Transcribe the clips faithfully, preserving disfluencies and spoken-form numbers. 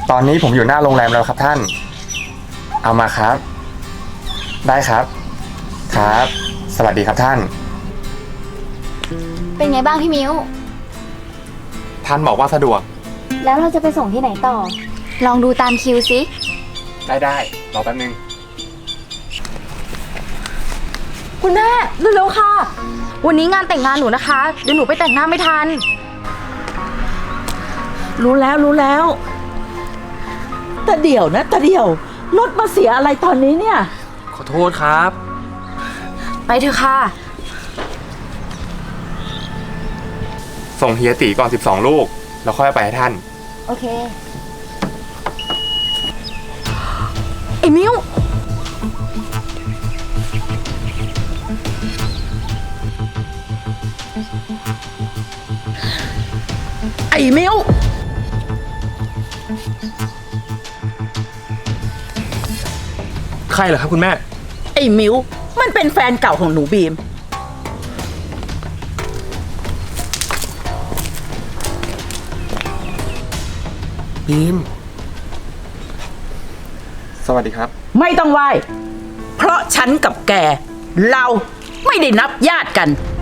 ตอนนี้ผมอยู่หน้าโรงแรมแล้วครับท่าน เอามาครับ ได้ครับ ครับ สวัสดีครับท่านเป็นไงบ้างพี่มิ้วท่านบอกว่าสะดวกแล้วเราจะไปส่งที่ไหนต่อ ลองดูตามคิวสิได้ได้รอแป๊บนึงคุณแม่เร็วๆค่ะ วันนี้งานแต่งงานหนูนะคะ เดี๋ยวหนูไปแต่งหน้าไม่ทันรู้แล้วรู้แล้วแต่เดี๋ยวนะแต่เดี๋ยวรถมาเสียอะไรตอนนี้เนี่ยขอโทษครับไปเถอะค่ะส่งเฮียตีก่อนสิบสองลูก แล้วค่อยไปให้ท่านโอเคไอ้มิ้วไอ้มิวใครเหรอครับคุณแม่ไอ้มิวมันเป็นแฟนเก่าของหนูบีมบีม สวัสดีครับไม่ต้องไหว้เพราะฉันกับแก เราไม่ได้นับญาติกัน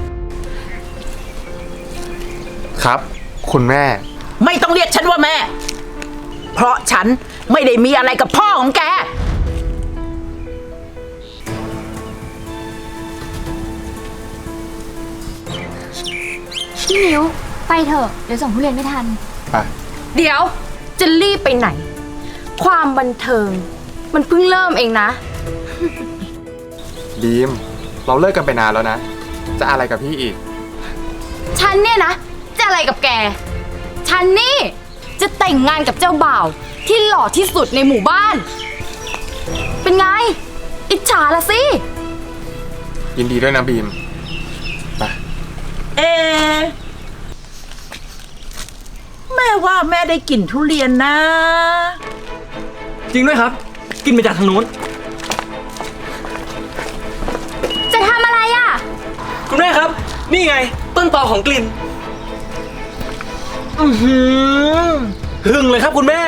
ครับ คุณแม่ไม่ต้องเรียกฉันว่าแม่ เพราะฉันไม่ได้มีอะไรกับพ่อของแกพี่มิ้ว ไปเถอะ เดี๋ยวส่งทุเรียนไม่ทันไปเดี๋ยวจะรีบไปไหน ความบันเทิง มันเพิ่งเริ่มเองนะบีม เราเลิกกันไปนานแล้วนะ จะอะไรกับพี่อีกฉันเนี่ยนะ จะอะไรกับแก ฉันนี่ จะแต่งงานกับเจ้าบ่าว ที่หล่อที่สุดในหมู่บ้าน เป็นไง อิจฉาละสิยินดีด้วยนะบีม ไปเอะแม่ว่าแม่ได้กลิ่นทุเรียนนะจริงด้วยครับ กินมาจากทางนู้นจะทำอะไรอ่ะคุณแม่ครับ นี่ไง ต้นตอของกลิ่น อือหือหึงเลยครับคุณแม่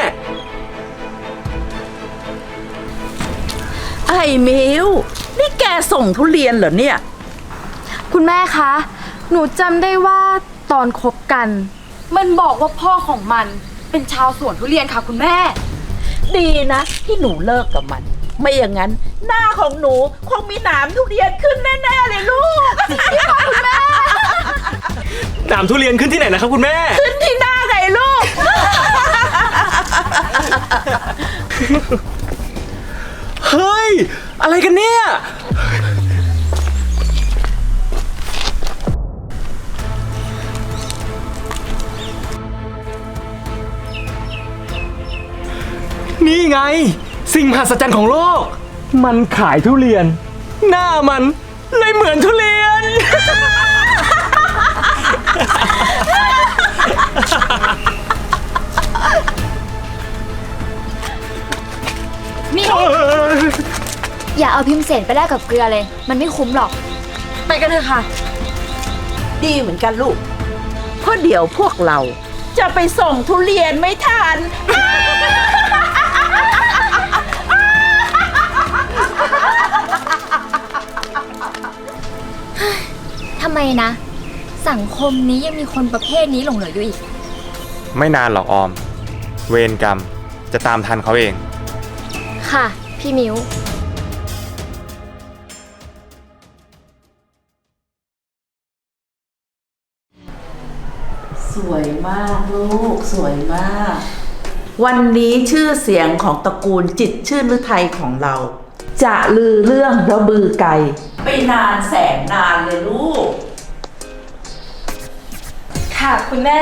ไอ้มิวนี่แกส่งทุเรียนเหรอเนี่ยคุณแม่คะ หนูจำได้ว่าตอนคบกัน มันบอกว่าพ่อของมันเป็นชาวสวนทุเรียนค่ะคุณแม่ดีนะที่หนูเลิกกับมัน ไม่อย่างนั้น หน้าของหนูคงมีหนามทุเรียนขึ้นแน่ๆเลยลูกหนามทุเรียนขึ้นที่ไหนนะครับคุณแม่ขึ้นที่หน้าไงลูกเฮ้ย อะไรกันเนี่ย นี่ไง สิ่งมหัศจรรย์ของโลก มันขายทุเรียน หน้ามันเลยเหมือนทุเรียนมิ้ว อย่าเอาพิมพ์เสนไปแลกกับเกลือเลย มันไม่คุ้มหรอกไปกันเถอะค่ะดีเหมือนกันลูก เพราะเดี๋ยวพวกเราจะไปส่งทุเรียนไม่ทันทำไมนะ สังคมนี้ยังมีคนประเภทนี้หลงเหลืออยู่อีกไม่นานหรอกออม เวรกรรม จะตามทันเขาเองค่ะ พี่มิ้วสวยมากลูกสวยมาก วันนี้ชื่อเสียงของตระกูลจิตรชื่นฤทัยของเรา จะลือเรื่องระบือไก่ไปนานแสนนานเลยลูกค่ะคุณแม่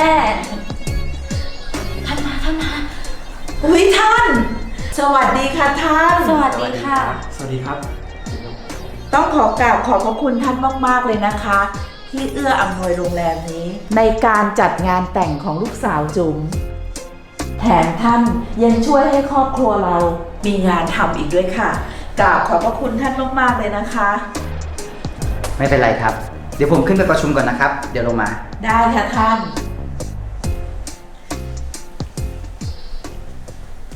ท่านมาท่านมาอุ้ยท่าน สวัสดีค่ะท่านสวัสดีค่ะสวัสดีครับต้องขอกราบขอบพระคุณท่านมากๆเลยนะคะ ที่เอื้ออำนวยโรงแรมนี้ ในการจัดงานแต่งของลูกสาวจุ๋มแถมท่านยังช่วยให้ครอบครัวเรา มีงานทำอีกด้วยค่ะกราบขอบพระคุณท่านมากๆเลยนะคะไม่เป็นไรครับ เดี๋ยวผมขึ้นไปประชุมก่อนนะครับ เดี๋ยวลงมาได้ค่ะท่าน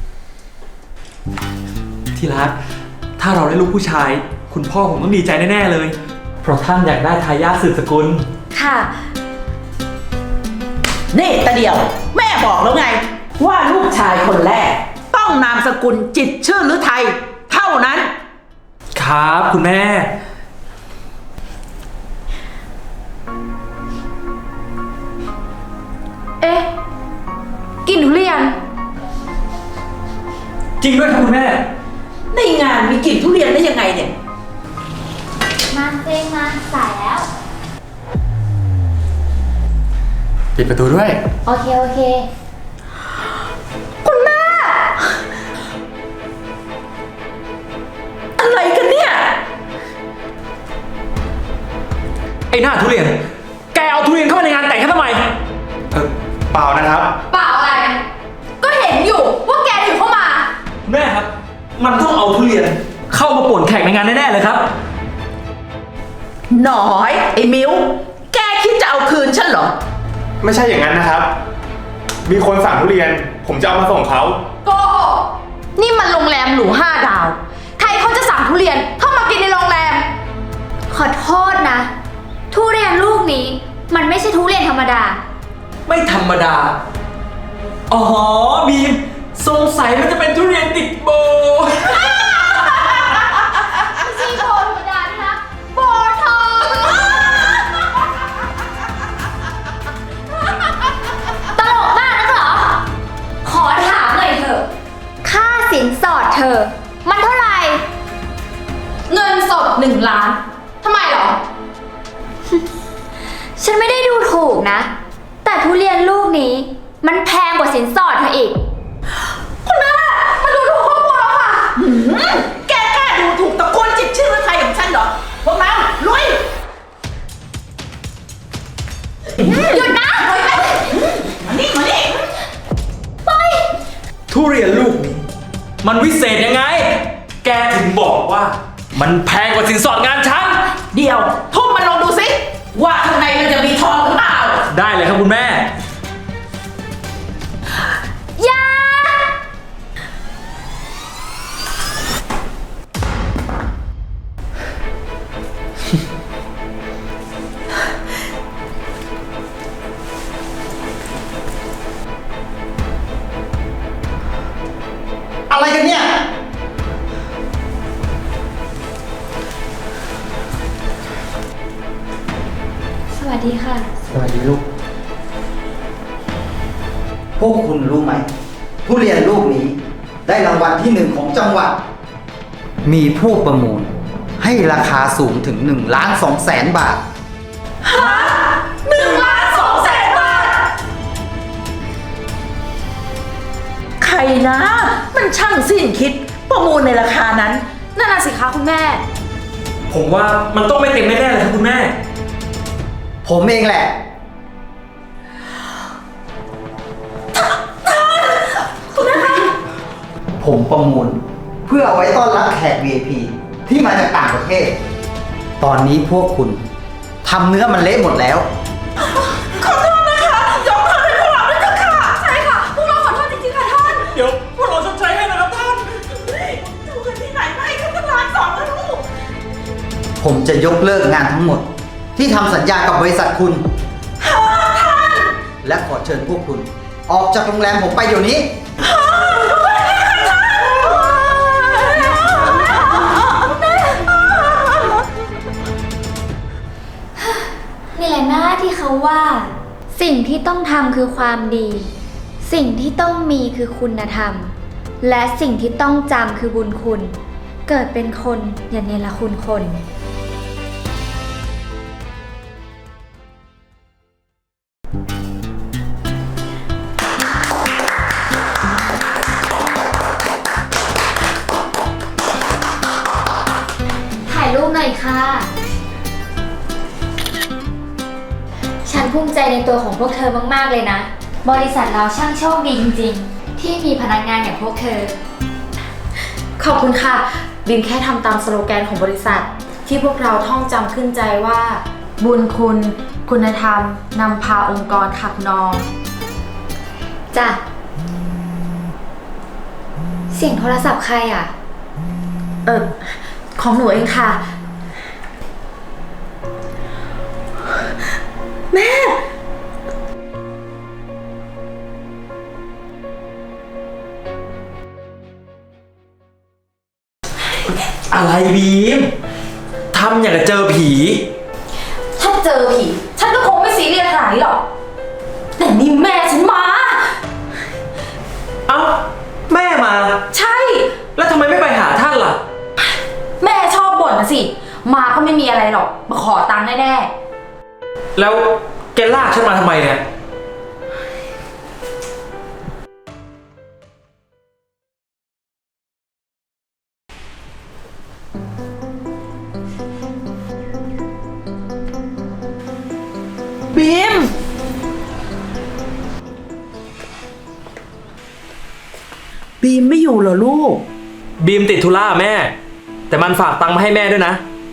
ที่รัก ถ้าเราได้ลูกผู้ชาย คุณพ่อผมต้องดีใจแน่ๆเลย เพราะท่านอยากได้ทายาทสืบสกุลค่ะนี่ตาเดียว แม่บอกแล้วไง ว่าลูกชายคนแรก ต้องนามสกุลจิตรชื่อหรือไทย เท่านั้นครับคุณแม่เอ๊ะกลินทุเรียนจริงด้วยครับคุณแม่ในงานมีกลิ่นทุเรียนได้ยังไงเนี่ยมาเซงมาสายแล้วปิดประตูด้วยโอเค โอเคอะไรกันเนี่ยไอ้หน้าทุเรียน แกเอาทุเรียนเข้ามาในงานแต่งฉันทำไมเออเปล่านะครับเปล่าอะไร ก็เห็นอยู่ว่าแกถือเข้ามาแม่ครับ มันต้องเอาทุเรียน เข้ามาป่วนแขกในงานแน่ๆเลยครับหน่อยไอ้มิวแกคิดจะเอาคืนฉันเหรอไม่ใช่อย่างนั้นนะครับ มีคนสั่งทุเรียน ผมจะเอามาส่งเขาโกหกนี่มันโรงแรมหรูห้าดาว ใครเขาจะสั่งทุเรียนเข้ามากินในโรงแรมขอโทษนะ ทุเรียนลูกนี้ มันไม่ใช่ทุเรียนธรรมดาไม่ธรรมดา อ๋อบีมสงสัยมันจะเป็นทุเรียนติดโบไม่ใช่โบธรรมดานะคะโบทองตลกมากนะเหรอ ขอถามหน่อยเถอะ ค่าสินสอดเธอ มันเท่าไหร่เงินสดหนึ่งล้านทำไมเหรอฉันไม่ได้ดูถูกนะ แต่ทุเรียนลูกนี้ มันแพงกว่าสินสอดเธออีกคุณแม่มาดูถูกครอบครัวเราค่ะหืมแกกล้าดูถูกตระกูลจิตรชื่อหรือไทยของฉันเหรอ พวกเราลุยหยุดนะมานี่มานี่ทุเรียนลูกนี้ มันวิเศษยังไง แกถึงบอกว่า มันแพงกว่าสินสอดงานฉันเดี๋ยวทุ่มมันลงดูสิ ว่าข้างในมันจะมีทองหรือเปล่าได้เลยครับคุณแม่อย่าอะไรกันเนี่ยสวัสดีค่ะสวัสดีลูก พวกคุณรู้ไหม ทุเรียนลูกนี้ ได้รางวัลที่หนึ่งของจังหวัด มีผู้ประมูล ให้ราคาสูงถึงหนึ่งล้านสองแสนบาทหนึ่งล้านสองแสนบาท ใครนะ มันช่างสิ้นคิด ประมูลในราคานั้นนั่นน่ะสิคะคุณแม่ผมว่ามันต้องไม่เต็มแน่ๆเลยครับคุณแม่ผมเองแหละ ผมประมูล เพื่อเอาไว้ต้อนรับแขก วี ไอ พี ที่มาจากต่างประเทศ ตอนนี้พวกคุณทำเนื้อมันเละหมดแล้วขอโทษนะคะ ยกโทษให้พวกเราด้วยเถอะค่ะใช่ค่ะ พวกเราขอโทษจริงๆค่ะท่านเดี๋ยวพวกเราชดใช้ให้นะครับท่านนี่ดูกันที่ไหนไม่เขาตั้งล้านสองแล้วลูกผมจะยกเลิกงานทั้งหมด ที่ทำสัญญากับบริษัทคุณ และขอเชิญพวกคุณ ออกจากโรงแรมผมไปเดี๋ยวนี้นี่แหละนะที่เขาว่า สิ่งที่ต้องทำคือความดี สิ่งที่ต้องมีคือคุณธรรม และสิ่งที่ต้องจำคือบุญคุณ เกิดเป็นคนอย่าเนรคุณคน ถ่ายรูปหน่อยค่ะ ฉันภูมิใจในตัวของพวกเธอมากๆเลยนะ บริษัทเราช่างโชคดีจริงๆ ที่มีพนักงานอย่างพวกเธอขอบคุณค่ะบินแค่ทำตามสโลแกนของบริษัท ที่พวกเราท่องจำขึ้นใจว่า บุญคุณ คุณธรรมนำพาองค์กรขับนองจ้ะ เสียงโทรศัพท์ใครอ่ะเออของหนูเองค่ะ แม่อะไรบีมทำอย่างกับเจอผีถ้าเจอผีฉันก็คงไม่ซีเรียสขนาดนี้หรอก แต่นี่แม่ฉันมาเอ้า แม่มาใช่แล้วทำไมไม่ไปหาท่านล่ะแม่ชอบบ่นนะสิ มาก็ไม่มีอะไรหรอก มาขอตังค์แน่แล้วแกลากฉันมาทำไมเนี่ยบีม บีมไม่อยู่เหรอลูกบีมติดธุระแม่ แต่มันฝากตังค์มาให้แม่ด้วยนะ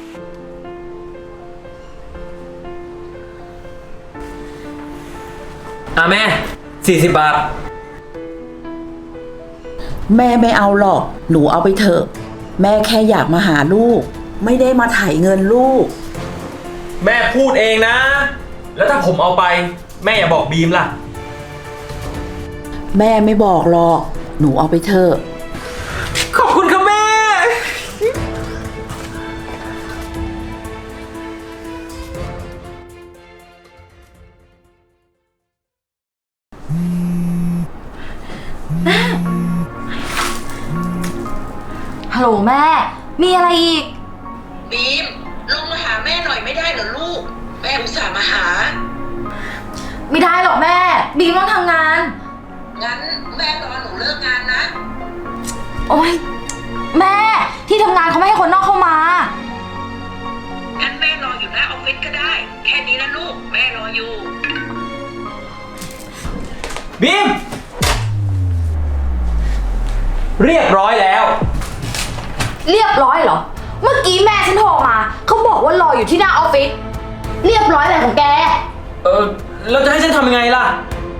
อ่ะแม่สี่สิบบาทแม่ไม่เอาหรอก หนูเอาไปเถอะ แม่แค่อยากมาหาลูก ไม่ได้มาไถ่เงินลูกแม่พูดเองนะ แล้วถ้าผมเอาไป แม่อย่าบอกบีมล่ะแม่ไม่บอกหรอก หนูเอาไปเถอะขอบคุณครับแม่ๆ ฮัลโหลแม่ มีอะไรอีกบีมลงมาหาแม่หน่อยไม่ได้เหรอลูก แม่อุตส่าห์มาหาไม่ได้หรอกแม่ บีมต้องทำงานงั้นแม่รอหนูเลิกงานนะโอ๊ย แม่ที่ทำงานเขาไม่ให้คนนอกเข้ามางั้นแม่รออยู่หน้าออฟฟิศก็ได้ แค่นี้นะลูก แม่รออยู่บีม เรียบร้อยแล้วเรียบร้อยเหรอ เมื่อกี้แม่ฉันโทรมา เขาบอกว่ารออยู่ที่หน้าออฟฟิศ เรียบร้อยอะไรของแกเออเราจะให้ฉันทำยังไงล่ะ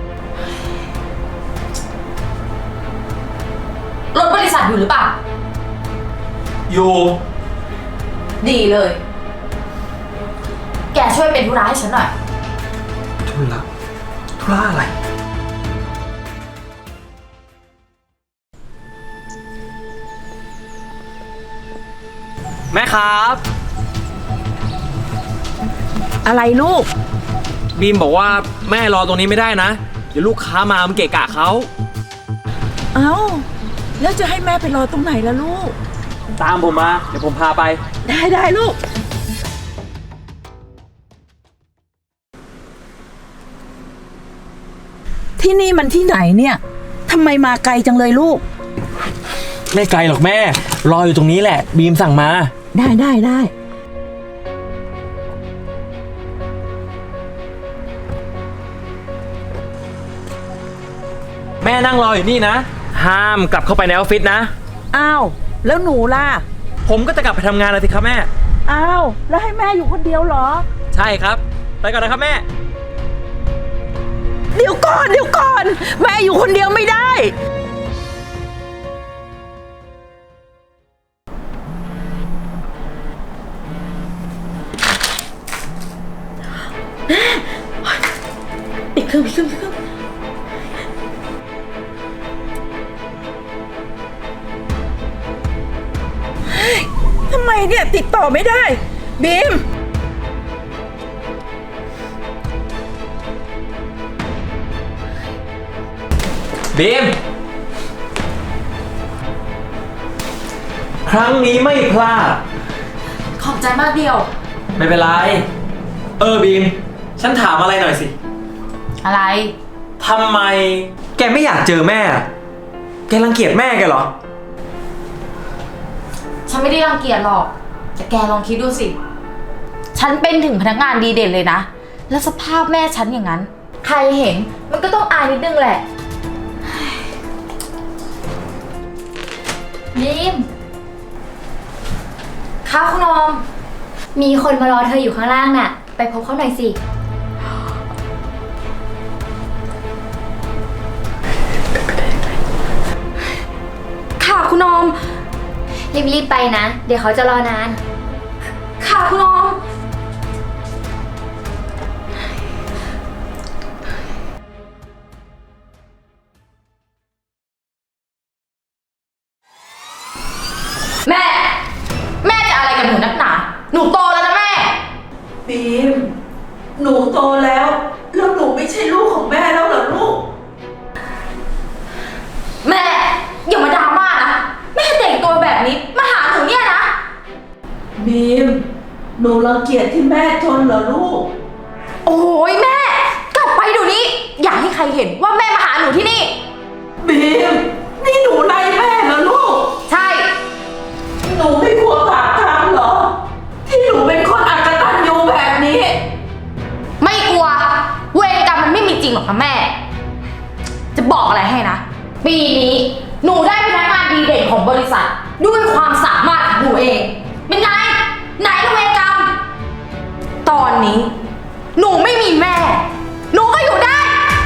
รถบริษัทอยู่หรือเปล่าอยู่ดีเลย แกช่วยเป็นธุระให้ฉันหน่อยทุละทุละอะไร แม่ครับอะไรลูกบีมบอกว่าแม่รอตรงนี้ไม่ได้นะ เดี๋ยวลูกค้ามามันเกะกะเขาเอ้า แล้วจะให้แม่ไปรอตรงไหนล่ะลูกตามผมมา เดี๋ยวผมพาไปได้ได้ลูก ที่นี่มันที่ไหนเนี่ย ทำไมมาไกลจังเลยลูกไม่ไกลหรอกแม่ รออยู่ตรงนี้แหละ บีมสั่งมาได้ได้ได้แม่นั่งรออยู่นี่นะ ห้ามกลับเข้าไปในออฟฟิศนะอ้าว แล้วหนูล่ะผมก็จะกลับไปทำงานแล้วสิครับแม่อ้าว แล้วให้แม่อยู่คนเดียวเหรอใช่ครับ ไปก่อนนะครับแม่เดี๋ยวก่อน เดี๋ยวก่อน แม่อยู่คนเดียวไม่ได้ ปิดเครื่องปิดเครื่องปิดเครื่องเฮ้ยทำไมเนี่ยติดต่อไม่ได้ บีมบีม ครั้งนี้ไม่พลาดขอบใจมากเดียวไม่เป็นไร เออบีม ฉันถามอะไรหน่อยสิอะไรทำไม แกไม่อยากเจอแม่อะแกรังเกียจแม่แกเหรอฉันไม่ได้รังเกียจหรอก แต่แกลองคิดดูสิ ฉันเป็นถึงพนักงานดีเด่นเลยนะ แล้วสภาพแม่ฉันอย่างนั้น ใครเห็นมันก็ต้องอายนิดนึงแหละบีมค่ะคุณออมมีคนมารอเธออยู่ข้างล่างน่ะ ไปพบเขาหน่อยสิค่ะคุณออมรีบๆไปนะ เดี๋ยวเขาจะรอนานค่ะคุณออม แม่ แม่จะอะไรกับหนูนักหนา หนูโตแล้วนะแม่บีม หนูโตแล้ว แล้วหนูไม่ใช่ลูกของแม่แล้วเหรอลูกแม่อย่ามาดราม่านะ แม่แต่งตัวแบบนี้มาหาหนูเนี่ยนะบีม หนูรังเกียจที่แม่จนเหรอลูกโอ้ยแม่ กลับไปเดี๋ยวนี้ อย่าให้ใครเห็นว่าแม่มาหาหนูที่นี่บีม นี่หนูไล่แม่เหรอลูกใช่หนูไม่กลัวบาปกรรมเหรอ ที่หนูเป็นคนอักตันยูแบบนี้ไม่กลัว เวรกรรมมันไม่มีจริงหรอกนะแม่ จะบอกอะไรให้นะ ปีนี้หนูได้พนักงานดีเด่นของบริษัท ด้วยความสามารถของหนูเอง เป็นไง ไหนละเวรกรรม ตอนนี้ หนูไม่มีแม่ หนูก็อยู่ได้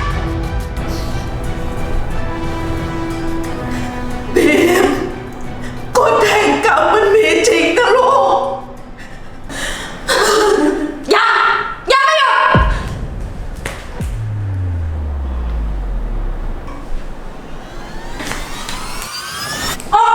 บีมกฎแห่งกรรมมันมีจริงนะลูกอย่า อย่าไม่หยุด ออกไป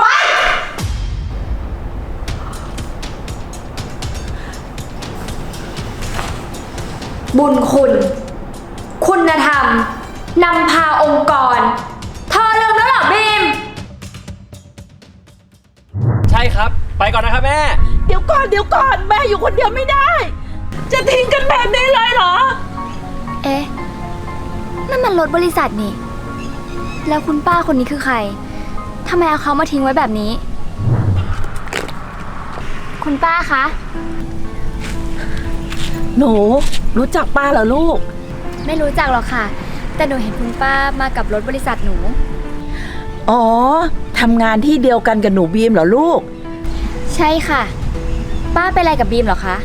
บุญคุณ คุณธรรมนำพาองค์กรเธอลืมแล้วเหรอบีมใช่ครับ ไปก่อนนะครับแม่เดี๋ยวก่อนเดี๋ยวก่อนแม่อยู่คนเดียวไม่ได้ จะทิ้งกันแบบนี้เลยเหรอเอ๊ะ นั่นมันรถบริษัทนี่ แล้วคุณป้าคนนี้คือใคร ทำไมเอาเขามาทิ้งไว้แบบนี้ คุณป้าคะหนูรู้จักป้าเหรอลูกไม่รู้จักหรอกค่ะ แต่หนูเห็นคุณป้ามากับรถบริษัทหนูอ๋อ ทำงานที่เดียวกันกับหนูบีมเหรอลูกใช่ค่ะ ป้าเป็นอะไรกับบีมเหรอคะ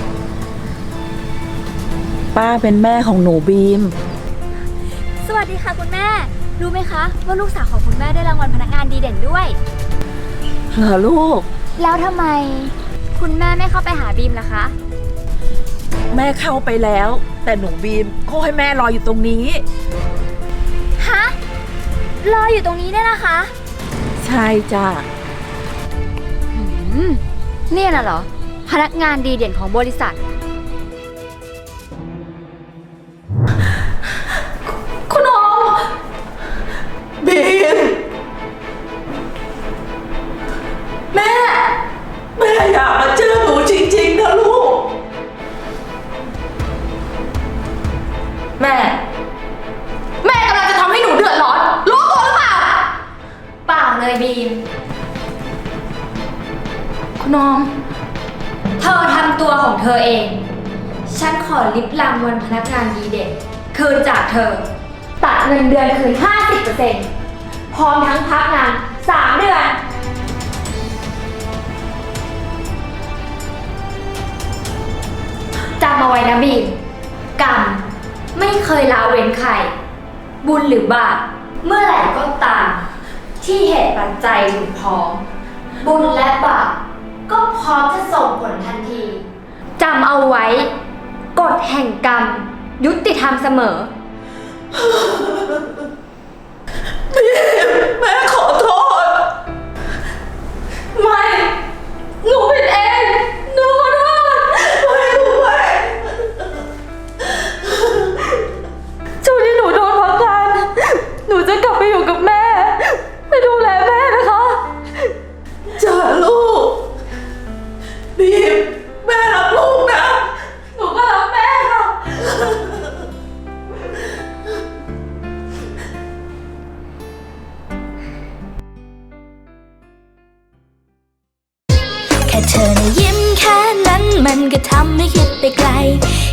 ป้าเป็นแม่ของหนูบีมสวัสดีค่ะคุณแม่ รู้ไหมคะ ว่าลูกสาวของคุณแม่ได้รางวัลพนักงานดีเด่นด้วยเหรอลูกแล้วทำไม คุณแม่ไม่เข้าไปหาบีมล่ะคะแม่เข้าไปแล้ว แต่หนูบีมเขาให้แม่รออยู่ตรงนี้ฮะ รออยู่ตรงนี้เนี่ยนะคะใช่จ้ะอืมเนี่ยน่ะเหรอ พนักงานดีเด่นของบริษัทคุณออมบีมแม่แม่อยากมาเจอหนูจริงๆนะลูกแม่ แม่กำลังจะทำให้หนูเดือดร้อน รู้ตัวหรือเปล่าเปล่าเลยบีมคุณออมเธอทำตัวของเธอเอง ฉันขอลิบรางวัลพนักงานดีเด่นคืนจากเธอ ตัดเงินเดือนคืน ห้าสิบเปอร์เซ็นต์ พร้อมทั้งพักงาน สาม เดือน จำเอาไว้นะบีม กรรมไม่เคยละเว้นใคร บุญหรือบาปเมื่อไหร่ก็ตาม ที่เหตุปัจจัยถึงพร้อม บุญและบาปก็พร้อมจะส่งผลทันที จำเอาไว้ กฎแห่งกรรม ยุติธรรมเสมอแม่ขอโทษไม่ หนูผิดเอง หนูขอโทษไม่รู้ไหมช่วงที่หนูโดนพักงาน หนูจะกลับไปอยู่กับแม่ ไปดูแลแม่นะคะจ้าลูก บีม แม่รักลูกนะหนูก็รักแม่ค่ะแค่เธอนะยิ้มแค่นั้นมันก็ทำให้คิดไปไกล